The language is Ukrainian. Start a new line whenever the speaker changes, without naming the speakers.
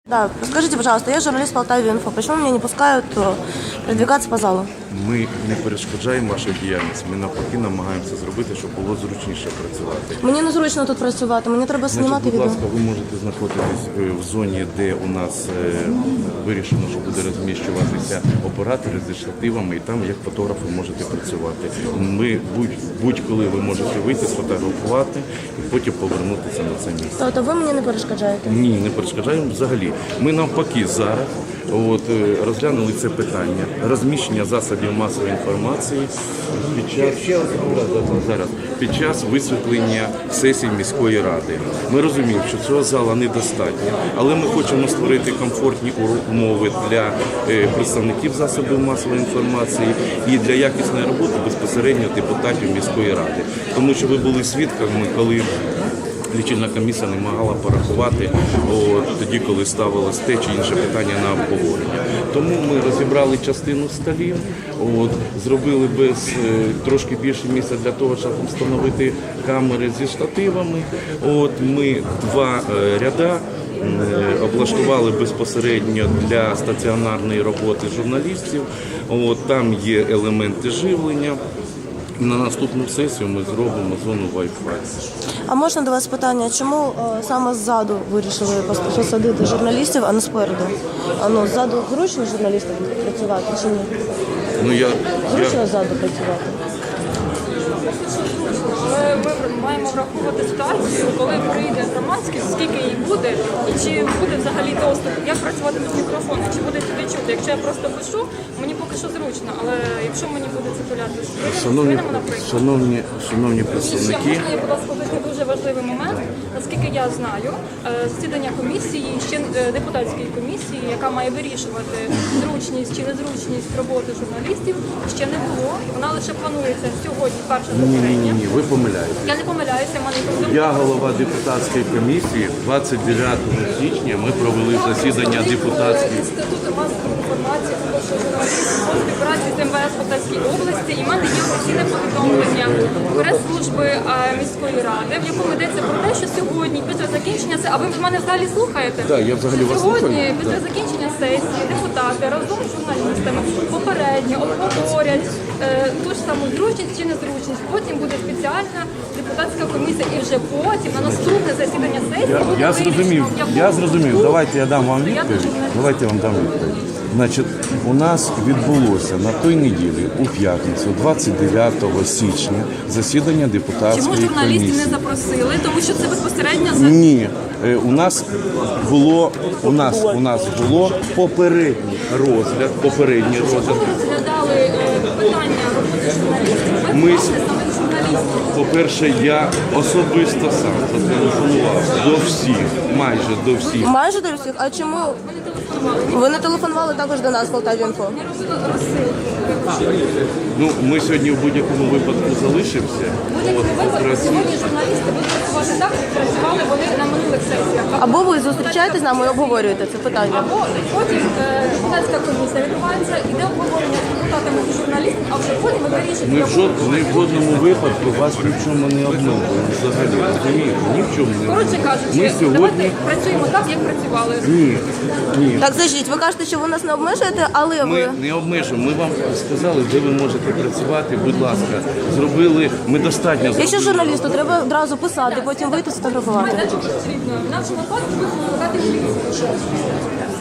Да, скажите, пожалуйста, я журналист Полтавы Инфо. Почему меня не пускают передвигаться по залу?
Ми не перешкоджаємо вашій діяльності, ми навпаки намагаємося зробити, щоб було зручніше працювати.
Мені незручно тут працювати, мені треба знімати
Будь
відео.
ласка, ви можете знаходитись в зоні, де у нас вирішено, що буде розміщуватися оператори зі штативами, і там як фотографи можете працювати. Ми будь-коли ви можете вийти, сфотографувати і потім повернутися на це місце.
Тобто ви мені не перешкоджаєте?
Ні, не перешкоджаємо взагалі. Ми навпаки зараз розглянули це питання розміщення засобів масової інформації під час висвітлення сесій міської ради. Ми розуміємо, що цього зала недостатньо, але ми хочемо створити комфортні умови для представників засобів масової інформації і для якісної роботи безпосередньо депутатів міської ради. Тому що ви були свідками, коли лічильна комісія не могла порахувати тоді, коли ставилось те чи інше питання на обговорення. Тому ми розібрали частину столів, зробили трошки більше місця для того, щоб встановити камери зі штативами. Ми два ряда облаштували безпосередньо для стаціонарної роботи журналістів. Там є елементи живлення. На наступну сесію ми зробимо зону Wi-Fi.
А можна до вас питання, чому саме ззаду вирішили посадити журналістів, а не спереду? Ззаду зручно журналістам працювати чи ні? Зручно ззаду працювати?
Ми маємо враховувати ситуацію, коли прийде громадськість, скільки її буде, і чи буде взагалі доступ, як працювати без мікрофону, чи буде сюди чути. Якщо я просто пишу, мені поки що зручно, але якщо мені буде циркуляти
Шановні представники,
можна я, будь ласка, уточню дуже важливий момент. Наскільки я знаю, засідання комісії, ще депутатської комісії, яка має вирішувати зручність чи незручність роботи журналістів, ще не було. Вона лише планується сьогодні, перше засідання.
Ні, ви помиляєтесь.
Я не помиляюся, в мене є
Я голова депутатської комісії. 29 січня ми провели засідання депутатської.
Інституту масової інформації, тому що журналісти у співпраці з МВС Полтавської області, і в мене є офіційне повідомлення прес-служби міської ради, в якому йдеться про те, що сьогодні, після закінчення сесії, а ви мене взагалі слухаєте?
Так, я взагалі вас слухаю.
Сьогодні, після закінчення сесії, депутати разом з журналістами попередньо обговорять ту ж саму зручність чи незручність. Потім буде спеціальна депутатська комісія, і вже потім на наступне засідання сесії буде
Я
вирішено,
зрозумів. Давайте я дам вам відповідь. Значить, у нас відбулося на той неділі, у п'ятницю, 29 січня, засідання депутатської
Чому журналістів
комісії.
не запросили? Тому що це безпосередньо за
Ні, у нас було попередній розгляд.
ви розглядали питання роботи журналістів. Ви бачите саме журналістів.
По-перше, я особисто сам зателефонував до всіх, майже до всіх.
Майже до всіх. А чому? Ви не телефонували також до нас, Полтаві Інфо?
Не робили розсилки.
Ми сьогодні в будь-якому випадку залишимося.
В будь-якому випадку сьогодні журналісти будуть працювати так, як працювали вони на минулих сесіях.
Або ви зустрічаєтесь з нами і обговорюєте це питання?
Або потім депутатська комісія відбувається, іде обговорення з депутатами і журналістами, а вже потім ви вирішуєте.
Ми в жодному випадку вас ні в чому не обмовили. Взагалі, розумієте, ні в чому не
Коротше
обмовили.
кажучи,
Ми
давайте
сьогодні...
працюємо так, як працювали.
Ні.
Так, заждіть, ви кажете, що ви нас не обмежуєте, але
Ми
ви...
не обмежуємо. Ми вам сказали, де ви можете працювати. Будь ласка, ми достатньо
Якщо
зробили.
журналісту треба одразу писати, потім вийти сфотографувати.
Потрібно. В нашому випадку ви викликати поліцію.